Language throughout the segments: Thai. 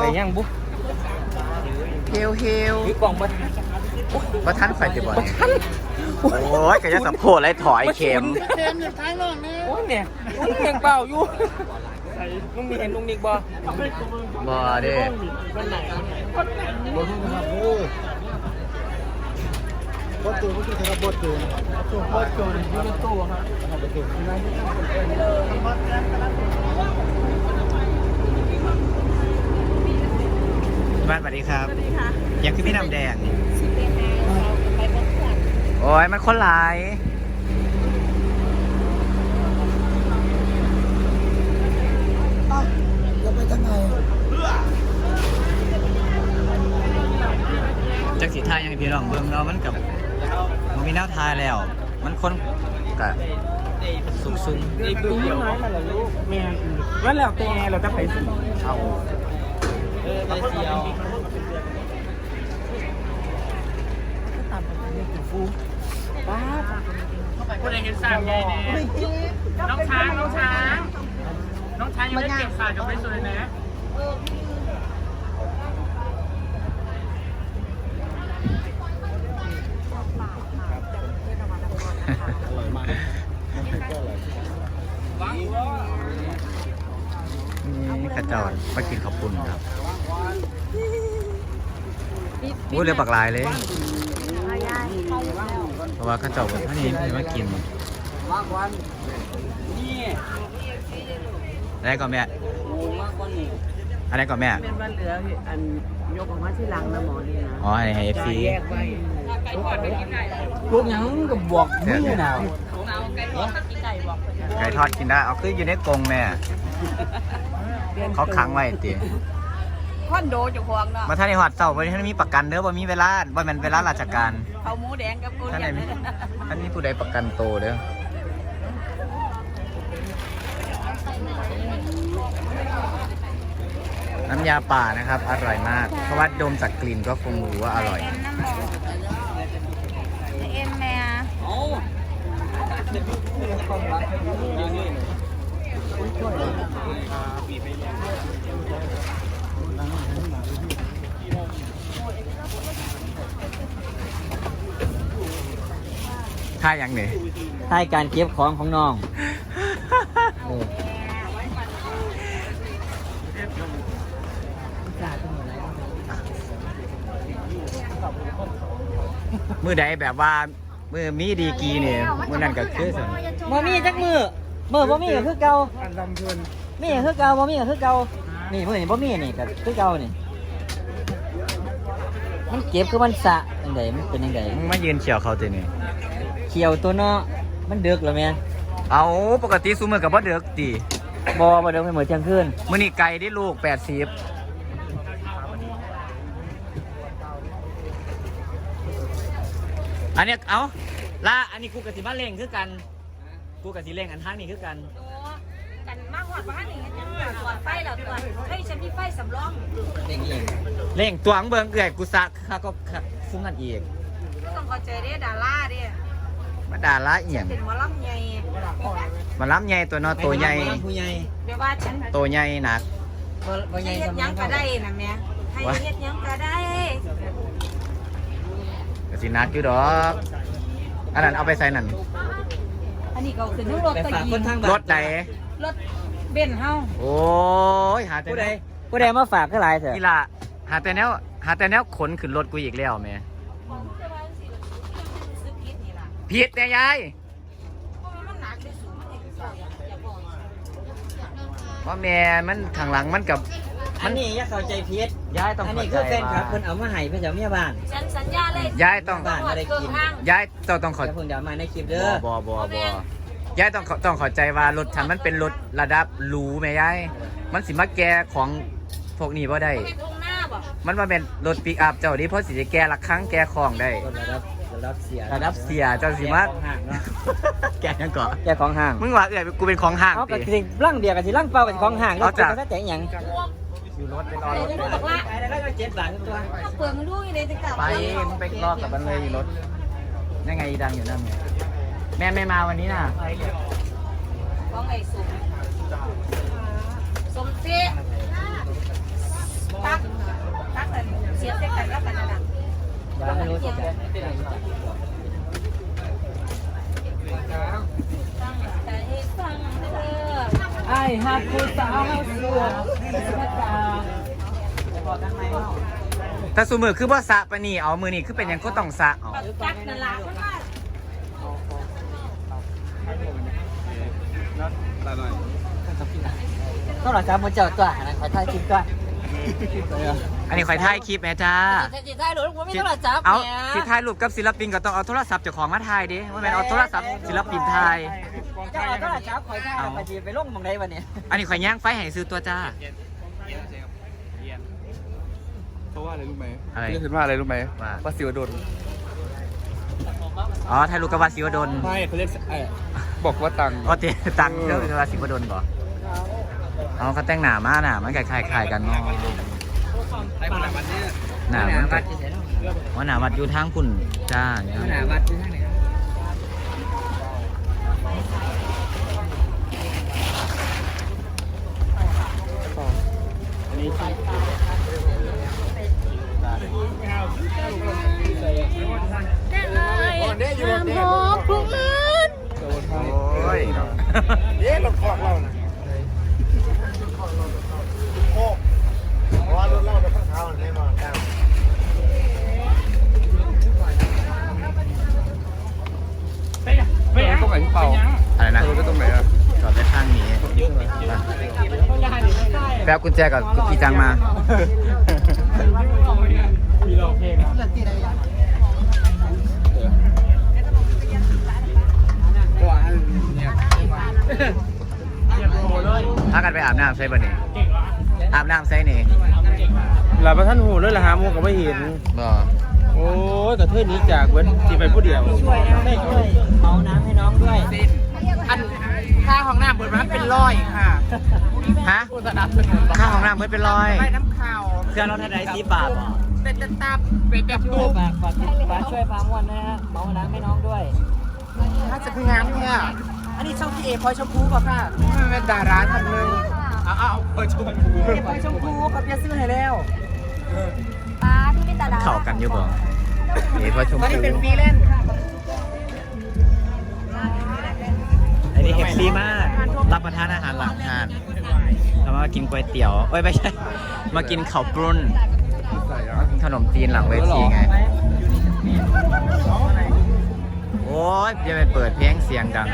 ยังบุ๊เฮลคือกล่องมาว่าท่านไฟจะบ่อยโอ้ยก็จะสับโพอะไรถอยเข็มอยู่ท้ายรองนี่โอ้ยเนี่ยเพียงเปล่าอยู่ลุงมีเห็นลุงนิกบ่เด้คนไหนบดตัวที่เขาบดตัวอยู่ในตู้ครับบ้านสวัสดีครับอยากคือพี่น้ำแดงโอ้ยมันคนหลายจะไปทางไหนจักสีทายยังพี่น้องเบิ่งเรามันกับมันมีแนวทายแล้วมันคนกะซุ่มในตู้เดียวแม่ว่าแล้วแต่เราจะไปสิเอาไปเที่ยวคนไหนเห็นสามใหญ่เนี่ยน้องช้างยังไม่เก็บขาดกับไปสวยนะนี่ขจรมากินขอบคุณครับพูดเลยปักลายเลยเพราะว่าขจรท่านนี้ไม่มากินอะไรก่อนแม่อะไรก่อนแม่เป็นวันเหลืออันยกออกมาที่หลังนะหมอนี่นะอ๋อให้เอฟซีลูกยังกับบวกมือหนาวไก่ทอดกินได้เอาคืออยู่ในกรงแม่เขาขังไว้ตีคอนโดจะควงเนาะมาท่านในหอดเสาร์วันนี้ท่านมีประกันเด้อว่ามีเวลาว่ามันเวลาราชการเขาหมูแดงกับกูท่านไหนมีท่านนี้ผู้ใดประกันโตเด้อน้ำยาป่านะครับอร่อยมากเพราะว่าดมจากกลิ่นก็คงรู้ว่าอร่อยเอ็มแม่ท่ายังเนี่ยท่าการเก็บของของน้องมือใดแบบว่ามือมีดีกีเนี่ยมือนั่นก็คือสิบ่มีจักมือบ่มีก็คือเก่ามีก็คือเก่าบ่มีก็คือเก่านี่มือนี่บ่มีนี่ก็คือเก่านี่มันเก็บคือมันสะจังไดมันเป็นจังไดมึงมายืนเขียวเขาตัวนี้เขียวตัวเนาะมันเดือกแล้วแม่เอาปกติซูมือกับบ่เดือกตีบ่เดือกให้เหมือนเที่ยงคืนมื้อนี้ไก่ได้ลูก80อันนี้เอาล่าอันนี้กูกับสิบ้านเล่งคือกันกูกับสิเล่งอันทางนี้คือกันกันมากกว่าบ้านนี่ตัวไฟแล้วตัวให้ฉันมีไฟสำรองเล่งตัวอังเบิงเกลือกูซักข้าก็ฟุ้งกันอีกก็ต้องเข้าใจเด้ดาราเด้มาด่าละเอียงเป็นหมอลำใหญ่มาล้ำใหญ่ตัวนอตัวใหญ่เดี๋ยวว่าฉันตัวใหญ่หนักให้เฮ็ดยังก็ได้นะแม่ให้เฮ็ดยังก็ได้ก็สินัดอยู่ดอกอันนั้นเอาไปใส่นั่นอันนี้ก็ขึ้นรถตะกี้รถไหนรถเบนซ์เฮาโอ้ยหาแต่ผู้ใดมาฝากก็หลายเถอะกีฬาหาแต่แนวขนขึ้นรถกูอีกแล้วแม่ผิดแต่ยายเพราะแม่มันข้างหลังมันกับอันนี้อย่าเข้าใจผิดยายต้องอันนี้คือแฟนคลับเพิ่นเอามาให้เพิ่นจะเมียบ้านฉันสัญญาเลยยายต้องบ้านบ่ได้กินยายต้องขอเพิ่นเดี๋ยวมาในคลิปเด้อบ่ยายต้องเข้าใจว่ารถฉันมันเป็นรถระดับหรูแม่ยายมันสิมาแก้ของพวกนี้บ่ได้มันมาเป็นรถปิกอัพเจ้าดิเพราะสิจะแก้ละครั้งแก้ของได้ระดับเสียเจ้าสิมาแก้ยังก่อแก้ของห้างมึงว่ากูเป็นของห้างเอากะสิร่างเดียวกับสิร่างเปล่ากับของห้างเอาจ้ะแต่หยังอยู่รถไปรอรถไปแล้วก็7 บาทตัวเปลือกมันลูกอยู่ในตะกร้าไปมึงไปรอกับมันเลยรถยังไงดังอยู่นั่นแม่ไม่มาวันนี้น่ะของไอ้สมเสียตักหักผู้สาวเสือบอกกันไหมแต่สูมือคือบ่สะปะนี่เอามือนี่คือเป็นหยังก็ต้องสะเอาจักนั่นล่ะเพราะว่าต้องหลังจากมันเจอตัวนะขอถ่ายคลิปก่อนอันนี้ข่อยถ่ายคลิปแม่จ้าจะถ่ายหรือว่าไม่ต้องหลังจากเอาเนี่ยสิถ่ายรูปกับศิลปินก็ต้องเอาโทรศัพท์เจ้าของมาถ่ายดิว่าแม่นเอาโทรศัพท์ศิลปินถ่ายเจ้าต้องหลังจากขอถ่ายไปจีไปลงมองได้วันนี้อันนี้ข่อยย่างไฟให้ซื้อตัวจ้าเพราะว่าอะไรรู้ไหมอะไรเรียกขึ้นว่าอะไรรู้ไหมว่าว่าสิวดลอ๋อถ่ายรูปกับวาสิวดลไม่เขาเรียกบอกว่าตังค์อ๋อเตตังค์เรื่องวาสิวดลบ่อ๋อเขาแต่งหน้ามาหน้ามันคล้ายๆกันเนาะไอ้คนละวันนี้หน้ามันก็ว่าหน้าวัดอยู่ทางคุณจ้าหนาวัดที่ทางไหนอันนี้ได้เลยความหอมผู้อื่นโอ้ยเอ๊ะรถคอกเรานะโอ้เพราะว่ารถเราจะข้างเท้าแน่นอนครับตรงไหนพี่เปาอะไรนะรถตรงไหนอ่ะจอดไว้ข้างนี้แป๊บกุญแจกับกุญแจจังมา ถ้ากันไปอาบน้ำใช่ป่ะนี่อาบน้ำใช่นี่หลับมาท่านหูเลยละหาโมงก็ไม่เห็นบ่โอ้ยกระเทยหนี้จากเว้นที่ไปผู้เดียวช่วยนะไม่ช่วยเมาน้ำให้น้องด้วยอันค่าของน้ำเปิดมาเป็นร้อยค่ะฮะค่าของน้ำเมื่อเป็นร้อยไปน้ำข่าวเครื่องเราเท่าไหร่10 บาทบ่เป็นตะตับเป็นแบบช่วยตูฝากช่วยพามวนนะฮะเมาน้ำให้น้องด้วยถ้าจะคืองานเนี่ยอันนี้ช่องพี่เอพลอยชมพูป่ะค่ะมันเป็นดาราท่านหนึ่งเอาพลอยชมพูพลอยชมพูเขาเปียซื้อให้แล้วป้าที่เป็นตาดาเข้ากันอยู่บ่นี่พอชมตอนพูนี้เป็นฟรีแลนซ์ค่ะอันนี้เฮปซี่มากรับประทานอาหารหลังทานแล้วมากินก๋วยเตี๋ยวเอ้ยไม่ใช่ มากินข้าวปรุนขนมจีนหลังเวทีไง โอ้ยจะไปเปิดเพลงเสียงดัง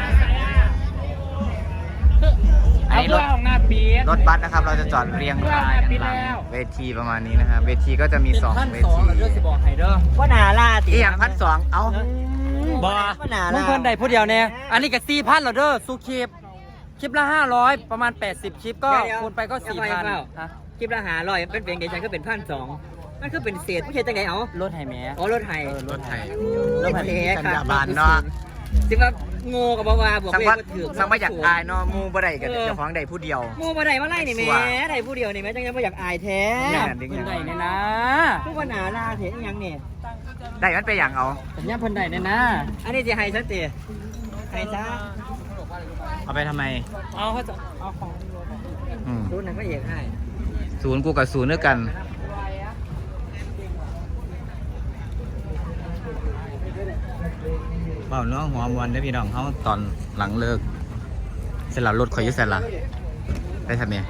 อันนี้รถของหน้าปีดรถบัสนะครับ เราจะจอดเรียงรายกันหลังเวทีประมาณนี้นะครับ เวทีก็จะมี2เวทีว่าหนาล่าติอีอย่าง1,200เอ้าบ่ว่าหนามึล่างเพิ่นได้ผู้เดียวเนี่ยอันนี้ก็4,000เหรอเด้อสู้คลิปคลิปละ500ประมาณ80คลิปก็คูณไปก็4,000ฮะคลิปละ1,500เป็นเพลงเดี๋ยวฉันก็เป็น1,200มันคือเป็นเศษไม่ใช่จังไหนเอารถไฮแม่อ๋อรถไทยรถไทยรถไทยสัญญาบานเนาะสิว่าโง่กับว่าบอกสังเลยว่าว่าถือสังว่าอยากอายเนาะหมูบ่ได้กับเจ้าของใดผู้เดียวโง่มาได้มาไล่นี่แม่ได้ผู้เดียวนี่แม่จังยังไม่อยากอายแท้แม่นดิ้งเพิ่นยังได้เนี่ยนะพวกว่าหนาล่าเห็นยังเนี่ยได้มันไปอย่างเอาสัญญาเพิ่นได้เนี่ยนะอันนี้จะให้ชัดเจนให้ซะเอาไปทำไมเอาเขาจะเอาของอืมรุ่นนั้นก็เอกให้ศูนย์กูกับศูนย์ด้วยกันเปล่าเนาะหัวมวนได้อพี่น้องเขาตอนหลังเลิกเสร็จแล้วรถข่อยอยุ่เสร็จละได้ทำไง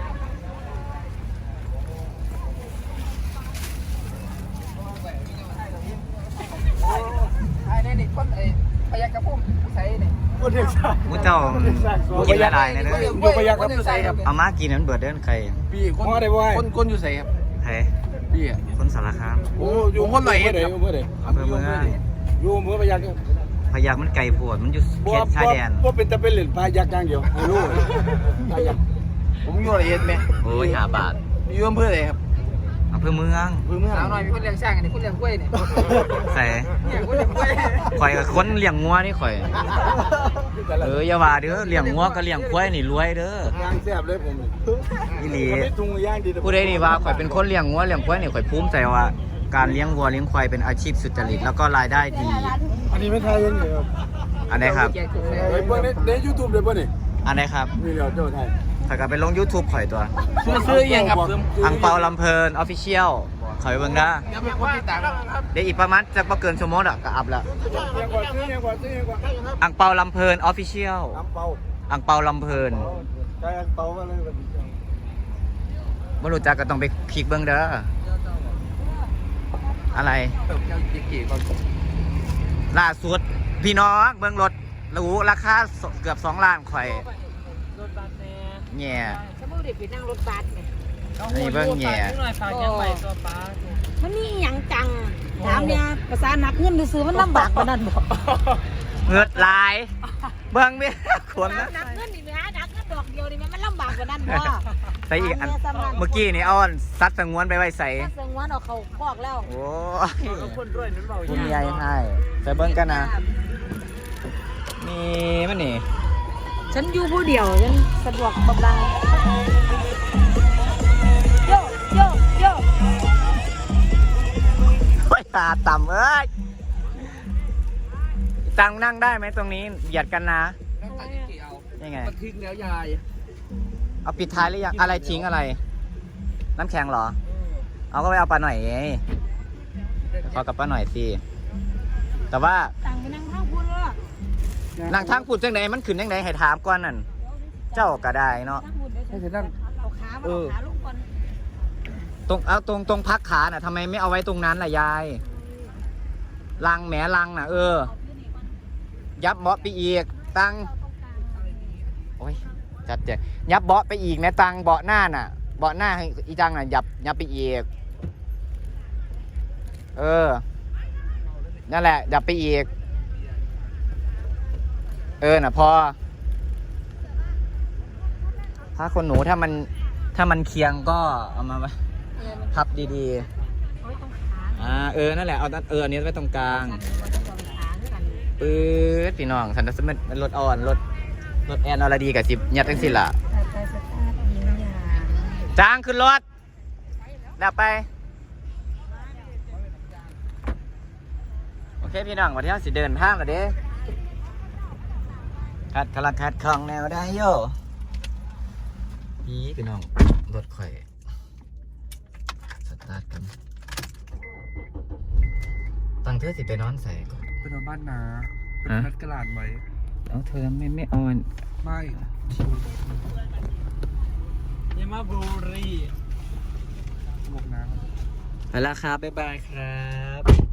ไอ้นี่คนไอ้พยักกระพุ่มใส่นี่คนเด็กสาวมูเจ้ากินละลายนะเด้ออยู่พยัคฆ์ครับใส่ครับเอามากินนั้นเบิดเด้อนใครพี่คนอะไรวะคนอยู่ใส่ครับใครพี่อ่ะคนสารคามโอ้อยู่คนไหนครับอยู่เมื่อไหร่อำเภอเมืองอยู่เมื่อพยัคฆ์พยักมันไก่ปวดมันอยู่เขตชายแดนว่าเป็นตะเป็นเหรียญพยัคฆ์อย่างเดียวไม่รู้พยัคฆ์ผมอยู่ละเอียดไหมโอ้ย5 บาทอยู่อำเภอไหนครับอำเภอเมืองอำเภอเมืองสาวหน่อยมีคนเลี้ยงช่างอันนี้คนเลี้ยงกล้วยนี่ใส่เนี่ยคนเลี้ยงกล้วยข่อยกับคนเลี้ยงงัวนี่ข่อยอย่าว่าเด้อเลี้ยงงัวกับเลี้ยงควายนี่รวยเด้อย่างแซ่บเลยผมอีหลีไม่ตุงย่างดีผู้ใดนี่ว่าข่อยเป็นคนเลี้ยงงัวเลี้ยงควายนี่ข่อยภูมิใจว่าการเลี้ยงวัวเลี้ยงควายเป็นอาชีพสุจริตแล้วก็รายได้ดีอันนี้ไม่ไทยยังเลยครับอันไหนครับไอ้พวกในยูทูบเลยป่ะนี่อันไหนครับมีเหลียวเจ้าไทยถ้าก็ไปลง YouTube ข่อยตัวซื้อเองครับอังเปาลำเพลินออฟฟิเชียลข่อยไปเบิ่งได้ยังไม่คนติดตามครับเดี๋ยวอีกประมาณจะบ่เกินชั่วโมงอ่ะก็อัพแล้วยังกว่าซื้อยังกว่าอังเปาลำเพลินออฟฟิเชียลน้ำเปาอังเปาลำเพลินกใจอังเปามาเลยแบบนี้บ่รู้จักก็ต้องไปคลิกเบิ่งเด้ออะไรเติมเจ้าจีกี่ก่อนล่าสุดพี่น้องเบิ่งรถรู้ราคาเกือบ2 ล้านข่อยรถบัสแน่แง่สมมุติเด็กไปนั่งรถบัสเนี่ยนี่เบิ่งแง่หน่อยฝากยังไปตัวป้ามันมีอหย่างจังถามเนี่ยภาษานักเงินซื้อมันลำบากกว่านั้นบ่เงือดหลายเบิ่งเมียขวนนะนักเงินนี่แม่นักเงินดอกเดียวนี่มันลำบากกว่านั้นบ่ใส่อีกอันเมื่อกี้นี่เอาอันซัดสงวนไปไว้ใส่ถ้าเสียงวันเอาเขาบอกแล้วโอ้ยคนด้วยนั่นเปล่าคุณยายให้ใส่เบิ่งกันนะนี่มันนี่ฉันอยู่ผู้เดียวฉันสะดวกบำบังโยโยโยโอ้ยตาต่ำเอ้ยตังนั่งได้ไหมตรงนี้เบียดกันนะแล้วตัดจีกี่เอายังไงมันทิ้งแล้วยายเอาปิดท้ายหรือยังอะไรทิ้งอะไร น้ำแข็งเหรอ เอาก็ไปเอาปลาหน่อยไงขอกับปลาหน่อยสิแต่ว่าต่างไปนั่งข้างคุณเลยนางทางพูดจังไหนมันขึ้นจังไหนให้ถามก่อนนั่นเจ้าก็ได้เนาะให้ฉันนั่งเอาขามาเอาขาลงก่อนตรงพักขาน่ะทำไมไม่เอาไว้ตรงนั้นล่ะยายลังแหมลังน่ะยับเบาะไปอีกตังโอ้ยจัดเจยับเบาะไปอีกนะตังเบาะหน้าน่ะเบาะหน้าให้อีจังน่ะยับไปอีกนั่นแหละยับไปอีกน่ะพอผ้าขนหนูถ้ามันเคียงก็เอามาพับดีๆเอาไว้ตรงขานั่นแหละเอาอันนี้ไว้ตรงกลางกันเอาไว้ตรงขาด้วยกันปื๊ดพี่น้องสันสมันรถอ่อนรถแอนอรดีกับสิบยัดทั้งสิ้นล่ะไปสตาร์ทยิงยาจ้างขึ้นรถดับไปโอเคพี่น้องวันที่เราสิเดินทางแล้วเด้คัดของแนวได้โย่พี่น้องรถข่อยสตาร์ทกันตั้งเธอสิไปนอนใส่ก่อนเป็นบ้านนาเป็นนัดกระลาดไว้เอาเธอไม่เอาไม่ยามาบุรีหมวกน้ำไปแล้วครับบ๊ายบายครับ